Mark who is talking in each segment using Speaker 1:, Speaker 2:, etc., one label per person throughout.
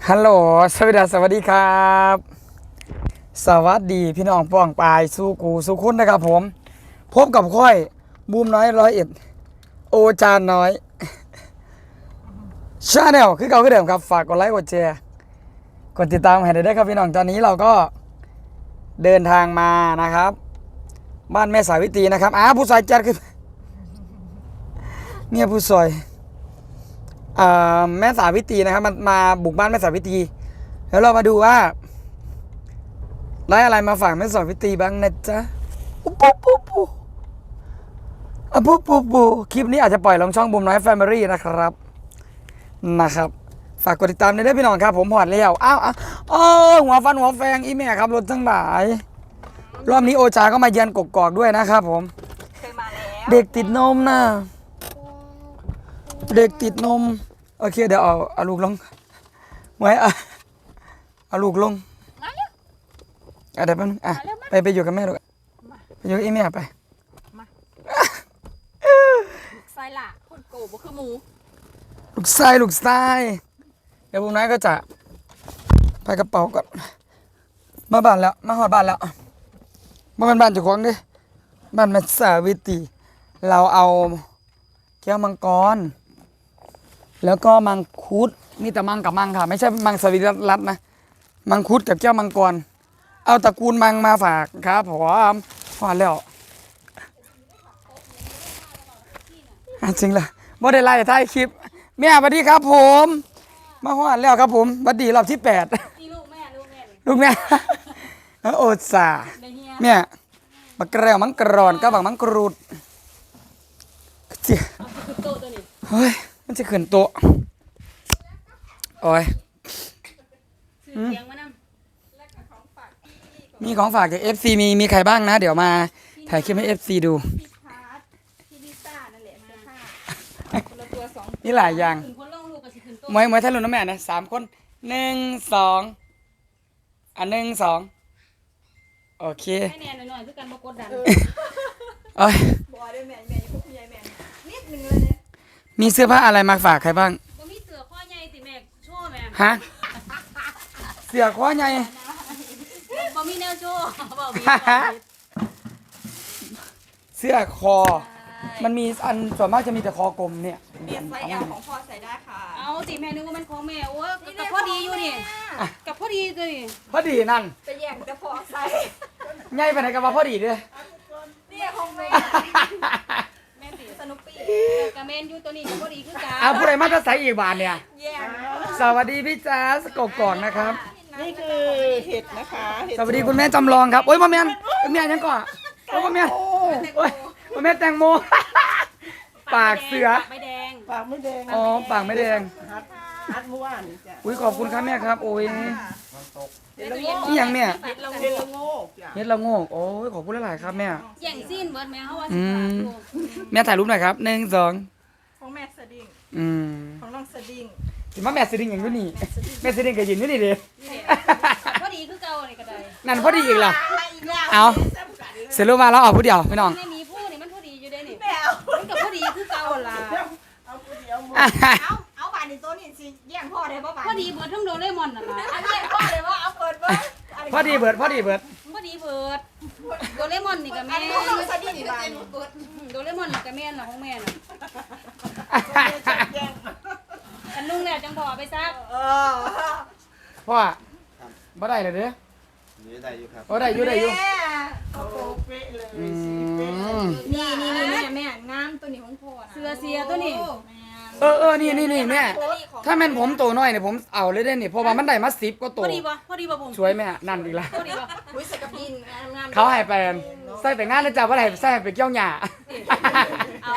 Speaker 1: ฮัลโหลสวัสดีครับสวัสดีพี่น้องป้องปายสู้กูสู้คุณนะครับผมพบกับค่อยบูมน้อย101โอจานน้อยชาแนลคือเก่าคือเดิมครับฝากกดไลค์กดแชร์กดติดตามให้ได้ครับพี่น้องตอนนี้เราก็เดินทางมานะครับบ้านแม่สาวิตรีนะครับผู้ซอยจัดคือเนี่ยผู้ซอยแม่สาวิตรีนะครับมาบุกบ้านแม่สาวิตรีแล้วเรามาดูว่าได้อะไรมาฝากแม่สาวิตรีบ้างนะจ๊ะปุ๊คลิปนี้อาจจะปล่อยลงช่องบูมน้อยแฟมิลี่นะครับฝากกดติดตามด้วยพี่น้องครับผมหอดแล้วหัวฟันหัวแฟงอีแม่ครับรถทั้งหลายรอบนี้โอชาก็มาเยือนกกอกด้วยนะครับผม
Speaker 2: เคยมาแล้ว
Speaker 1: เด็กติดนมนะเด็กติดนมโอเคเดี๋ยวเอาลูกลงไว้เอาลูกลงเดี๋ยวแป๊บนึงไปอยู่กับแม่ลูกไปอยู่กับอีแม่ไป
Speaker 2: ไซล่ะคนโกบ่คือหมู
Speaker 1: ลูกชายเดี๋ยวผมน้อยก็จะไปกระเป๋าก่อนมาบ้านแล้วมาหอดบ้านแล้วมาเป็นบ้านเจ้าของดิบ้านแม่สาวิตรีเราเอาแก้วมังกรแล้วก็มังคุดมีแต่มังกับมังค่ะไม่ใช่มังสวิรัตนะมังคุดกับแก้วมังกรเอาตระกูลมังมาฝากครับผมพอแล้วจริงเหรอบ่ได้ไล่ท้ายคลิปแม่สวัสดีครับผมมาฮอดแล้วครับผมบัดดีรอบที่8
Speaker 2: นี่ลูกแม่
Speaker 1: โอดสาแม่บักแกรวมังกรอนกับบักมังกรูดเจี๊ยเฮ้ยมันจะขึ้นโต๊ะโอ้ยมีของฝากจาก FC มีใครบ้างนะเดี๋ยวมาถ่ายคลิปให้ FC ดูนี่หลายอย่างมวยทะลุน้ำแม่นะ3 คน1 21 2โอเค
Speaker 2: ให้แน่หน่อยคือกันบ่กดดัน
Speaker 1: โอ้ย
Speaker 2: บ่ได้แม่พวกใหญ่แม่นิดนึงเลยเนี่ย
Speaker 1: มีเสื้อผ้าอะไรมาฝากใครบ้าง
Speaker 2: บ่มีเสื้อข้อใหญ่ติแม่โชว์แม่
Speaker 1: ฮะเสื้อข้อใหญ่
Speaker 2: บ่มีแนวโชว์บ่มี
Speaker 1: เสื้อคอมันมีอันส่วนมากจะมีแต่คอกลมเนี่ย
Speaker 3: เปลี่ยนไซส์ L ของพ่อใส่ได้ค่ะ
Speaker 2: เอาสิแม่นึกว่ามันของแม่โอ้กับพอดีอยู่นี่กับพอดีเลย
Speaker 1: พอดีนั่น
Speaker 3: จะแย่งจะพอใส่
Speaker 1: ใหญ่ไปไหนกันมาพอดีด้วย
Speaker 3: เนี่ยของแม่แม่ตีสนุปปี้
Speaker 2: กับแม่อยู่ตัวนี้กับพอดีคือกัน
Speaker 1: ผู้ใดมาจะใส่อีกบาทเนี่ย
Speaker 3: แย่ง
Speaker 1: สวัสดีพี่จ๊าสกก่อนนะครับ
Speaker 3: นี่คือเห็ดนะคะ
Speaker 1: สวัสดีคุณแม่จำลองครับโอ้ยพ่อแม่ยังก่อนโอ้ยพ่อแม่โอ้ยพ่อแม่แตงโมปากเสือ
Speaker 2: ไม่แดง
Speaker 3: ปากไม่แดง
Speaker 1: อ๋อปากไม่แดง
Speaker 3: ฮัดเมื่อวานจ้ะ
Speaker 1: อุ้ยขอบคุณครับแม่ครับโอ้ยนี่ยังแม่
Speaker 3: เห็ดละโงกจ้ะ
Speaker 1: เฮ็ดละโงกโอ้ยขอบคุณหลายๆครับแม่
Speaker 2: แย่งสิ้นเบิดแม่เขาว่า
Speaker 1: แม่ถ่ายรูปหน่อยครับ1 2
Speaker 3: ของแม่สดิ้งของน้องสดิ้ง
Speaker 1: ถึงว่าแม่สดิ้งอย่างนี้แม่สดิ้งก็ยืนอยู่นี่ดิ
Speaker 2: พอดีคือเก่านี่ก็ได้
Speaker 1: นั่นพอดีอีกล่ะเอาเสร็จรูปมาแล้วเอาผู้เดียวพี่น้อง
Speaker 2: ไม่มีผู้นี่มันพอดีอยู่ได้นี่มันกับพอดีคือเก่าล่ะ
Speaker 3: เอาผู้เดียวเอาบานในโต๊ะนี่สิแย่งพ่อได้ป่ะบาน
Speaker 2: พอดีเบิดทั้งโดเรมอนน่ะล่ะ
Speaker 3: แย่งพ่อเลยว่าเอาเปิดเบิด
Speaker 1: พอดีเบิด
Speaker 2: โดเรมอนนี่กับแม่โดเรมอนนี่กับแม่น่ะของแม่น่ะอันนุ่งเนี่ยจังพอไปซัก
Speaker 1: พ่อบ่ได้เลยเด้อ
Speaker 4: ได้อยู่ครับ
Speaker 1: ได้อยู่
Speaker 3: โอ้เป๊ะเลย
Speaker 2: นี่แม่งามตัวนี้ของพ่อนะเสือตัวนี้
Speaker 1: นี่แม่ถ้าแม่นผมโตน้อยเนี่ยผมเอาเลยได้นี่เพราะว่ามันได้มา10ก็โต
Speaker 2: พอดีป่ะผม
Speaker 1: สวยแม่นั่นอีกแล้ว
Speaker 2: พอดีป่ะ
Speaker 3: อุ้ยสกับดินงาม
Speaker 1: เขาให้ไปใส่แต่งานแล้วจ้ะว่าให้ใส่ไปเกี่ยวหญ้า
Speaker 2: เอา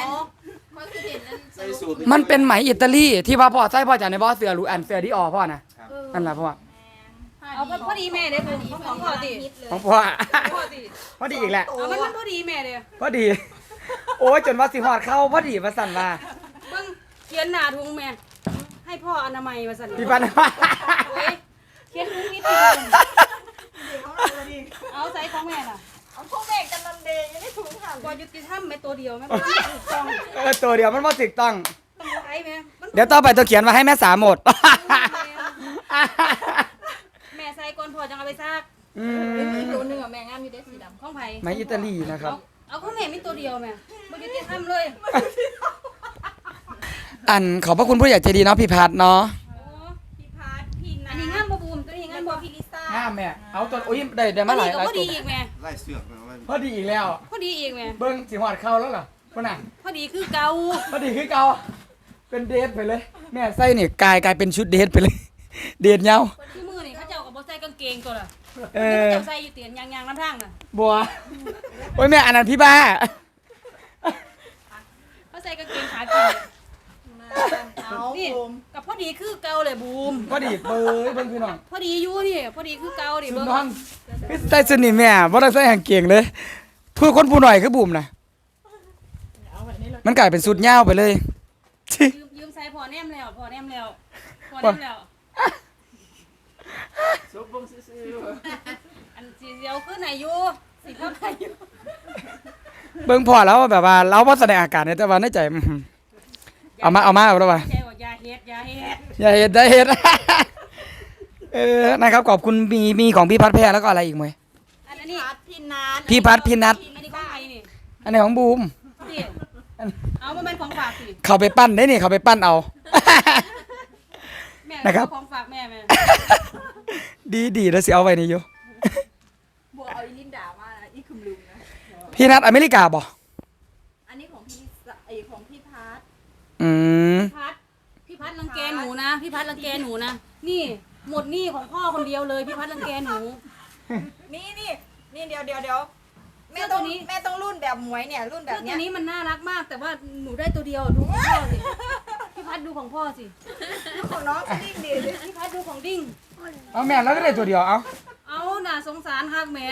Speaker 1: มันเป็นไหมอิตาลีที่ว่าพ่อใส่พ่อจากในบ่อเสือหรูอันเสือที่ออพ่อนะนั่นแหละพ่อ
Speaker 2: เอาพอดีแม่เด้ของพ่อติ
Speaker 1: ของพ่อพอดีอีกแหละ
Speaker 2: เอามันพอดีแม่เด้
Speaker 1: พอดีโอ้ยจนว่าสิฮอดเข้าพอดีว่าสั่นว่า
Speaker 2: เบิ่งเขียนหน้าถุงแม่ให้พ่ออนามัยว่าสั่น
Speaker 1: พี่ปัน
Speaker 2: เขียนถุงนิดเอาใส่ของแม่ล่ะ
Speaker 3: เอาพวกแม่กันลันเดย์ยังได้ถุงค่ะ
Speaker 2: บ่ยุติธรรมแม่ตัวเดียวแม่บ่ถูกต้อง
Speaker 1: ตัวเดียวมันบ่ถูกต้อง
Speaker 2: ไอ้แม่
Speaker 1: เดี๋ยวต่อไปตัวเขียนมาให้แม่สาหมดไหมอิตาลีนะครับ
Speaker 2: เอาก็แม่มีตัวเดียวแม่บ่ยุติธรรมเลย
Speaker 1: อันขอบพระคุณผู้ใหญ่ใจดีเนาะพี่พัดเนาะ
Speaker 3: พี่พัดพี่
Speaker 2: อั
Speaker 3: นั
Speaker 2: น
Speaker 3: น
Speaker 2: นี้งามบ่บูมตัวนี้งามบ่
Speaker 3: พี่ลิซ่า
Speaker 1: ห้ามแม่เอาตัวโอ้ยได้
Speaker 2: พ
Speaker 1: มา
Speaker 2: อ
Speaker 1: ห
Speaker 2: ดี
Speaker 1: ลาย
Speaker 2: ก็
Speaker 1: หลาย
Speaker 2: พอ
Speaker 1: ตั
Speaker 2: ดี
Speaker 1: ว
Speaker 2: อีกแม่
Speaker 4: ไล่เสือกมาไว้
Speaker 1: พอดีอีกแล้ว
Speaker 2: พอดีอีกแม่
Speaker 1: เบิ้งสิหอดเข้าแล้วเหรอพ่อน่ะ
Speaker 2: พอดีคือเก่า
Speaker 1: พอดีคือเก่าเป็นเดทไปเลย แม่ใส่นี่กลายเป็นชุดเดทไปเลย เดทยาว
Speaker 2: ที่มือนี่เขาเจ้าก็บ่ใส่กางเกงตัวละ
Speaker 1: เอ
Speaker 2: เขา
Speaker 1: อ
Speaker 2: เจ้าใส่อยู่เตียนยางๆน้ำทางน่ะ
Speaker 1: บัวโอ้ยแม่อันนั้นพี่บ้า
Speaker 2: เขาใส่กางเกงขาเกง
Speaker 3: เอา
Speaker 2: นี่
Speaker 3: บูม
Speaker 2: กับพอดีคือเก่าเลยบูม
Speaker 1: พอดีเบยเบิ้งพี่น้อง
Speaker 2: พอดีอยู่นี่พอดีคือเก่าดิ
Speaker 1: ชุด
Speaker 2: เบิ่ง
Speaker 1: นอนพี่ใส่ชุดนี่แม่บ่ได้ใส่กางเกงเลยผู้คนผู้หน่อยคือบุ่มนะ
Speaker 3: เอาแบบนี้เลย
Speaker 1: มันกลายเป็นชุดยาวไปเลยชิ
Speaker 2: ยืมใส่พอแนมแล้วพอแนมแล้วพอแนมแล้ว
Speaker 4: ซุปบงซื้อ
Speaker 2: อันสีเดียวคือไหนอยู่สีเท่าไหนอยู่
Speaker 1: เบิ่งพอแล้วแบบว่าเราบ่แสดงอาการเนี่ยแต่ว่าในใจเอามาแล้วว่า
Speaker 2: ใจว่าอย่าเฮ็ดอย่าเฮ็ด
Speaker 1: อย่าเฮ็ดได้เฮ็ด นะครับขอบคุณมีของพี่พัดแพรแล้วก็อะไรอีกมั้ย
Speaker 2: อัน
Speaker 3: พี่
Speaker 2: นี้
Speaker 3: พัดพี่นัท
Speaker 1: พี่พัดพี่นัท
Speaker 2: อันนี้ของใครนี่
Speaker 1: อันนี้ของบูม
Speaker 2: สิเอามาเป็นของฝากสิ
Speaker 1: เขาไปปั้นได้นี่เขาไปปั้นเอา
Speaker 2: แม่
Speaker 1: นะครับ
Speaker 2: ของฝากแม่แม่
Speaker 1: ดีแล้วสิเอาไว้นี่อยู่
Speaker 3: บัวเอาอีลินดามานะอีคุมลุงนะ
Speaker 1: พี่นัทอเมริกาบ่
Speaker 3: อันนี้ของพี่ลิซ่าไอของพี่พัด
Speaker 1: อืม
Speaker 2: พี่พัดรังแกหนูนะพี่พัดรังแกหนูนะนี่หมดหนี้ของพ่อคนเดียวเลยพี่พัดรังแกหนู
Speaker 3: นี่เดี๋ยวแม่ต้องแม่ต้องรุ่นแบบหมวยเนี่ยรุ่นแบ
Speaker 2: เสื้
Speaker 3: บ
Speaker 2: อ
Speaker 3: เนี้
Speaker 2: ตัวย นี้มันน่ารักมาก แต่ว่าหนูได้ตัวเดียวดูของพ่อสิพี่พัดดูของพ่อสิ
Speaker 3: ของน้องสดิ้งดิ
Speaker 2: พี่พัดดูของดิ้ง
Speaker 1: เอาแม่แล้วก็ได้ตัวเดียวเอา
Speaker 2: เอาน่าสงสารฮักแม่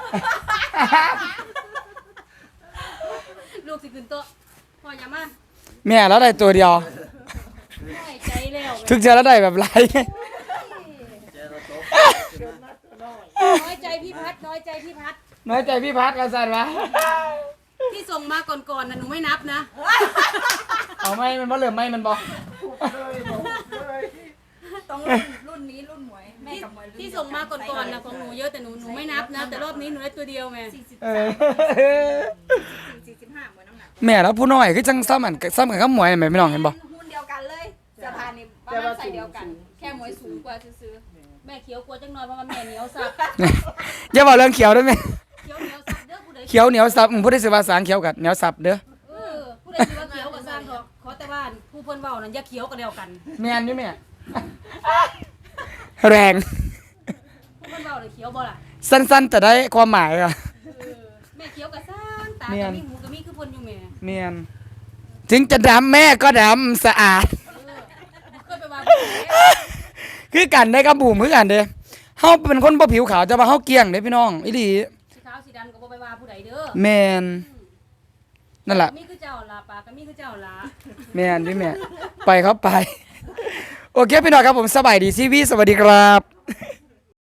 Speaker 2: ลูกสิขึ้นโต๊ะพ่ออย่ามา
Speaker 1: แม่แล้วได้ตัวเดียว
Speaker 2: น้อยใจแล้ว
Speaker 1: ถึงจะแล้วได้แบบไร
Speaker 2: น้อยใจพี่พัดน้อยใจพี่พัด
Speaker 1: น้อยใจพี่พัดกันสั่นวะ
Speaker 2: ที่ส่งมาก่อนๆนะหนูไม่นับนะ
Speaker 1: เอาไม่มันบ่เหลือไม่มันบ่
Speaker 3: ต้องรุ่นนี้รุ่นหมวยแม่กับหมวยรุ่น
Speaker 2: ที่ส่งมาก่อนๆนะของหนูเยอะแต่หนูไม่นับนะ แต่รอบนี้หนูได้ตัวเดียวแม่
Speaker 1: เออ
Speaker 3: 45หมวยน้ำหนัก
Speaker 1: แม่แล้วผู้น้อยคือจังซ้ำกันกับหมวยแม่พี่น้องเห็นบ่
Speaker 3: หุ้นเดียวกันเลยเสื้อผ้านี่ประมาณใส่เดียวกัน แค่หมวยสูงกว่าซื้อ
Speaker 2: แม่เขียวกลัวจังน้อยเพราะว่าแม่เหนียวสับ
Speaker 1: อย่าบอกเรื่องเขียวด้วยแม่
Speaker 2: เขียวเหนียวสับเด้อผู้ใด
Speaker 1: เขียวเหนียวสับผู้ได้สิว่าสางเขียวกับเหนียวสับเด้อ
Speaker 2: ผู้ใดสิว่าเขียวกับสร้างเถอะขอแต่ว่าผู้เพิ่นเว้านั่นอย่าเขียวกันเดียวกัน
Speaker 1: แม่นอยู่แม่ แรง
Speaker 2: ผู้เพิ่นเว้าเลยเขียวบ่ล่ะ
Speaker 1: สั้นๆแต่ได้ความหมายอ่ะ
Speaker 2: แม่เขียวกับสร้างตา
Speaker 1: เนีย
Speaker 2: กับ
Speaker 1: น
Speaker 2: มีหูกับมีคือเพิ่นอยู่แม่
Speaker 1: แม่นถึงจะดำแม่ก็ดำสะอาด
Speaker 2: เคยไปว่าผู้ใด
Speaker 1: คือกันได้กับบูมคือกันเด้เฮาเป็นคนบ่ผิวขาวแต่ว่าเฮาเกลี้ยงเด้พี่น้องอีหลี
Speaker 2: สีขาวสีดำก็บ่ไปว่าผู้ใดเด้อ
Speaker 1: แม่นนั่นแหละ
Speaker 2: มีคือเจ้าล่ะปากก็มีคือเจ้าล่ะ
Speaker 1: แม่นดิแม่ไปครับไป โอเคพี่น้องครับผมสบายดีซีวีสวัสดีครับ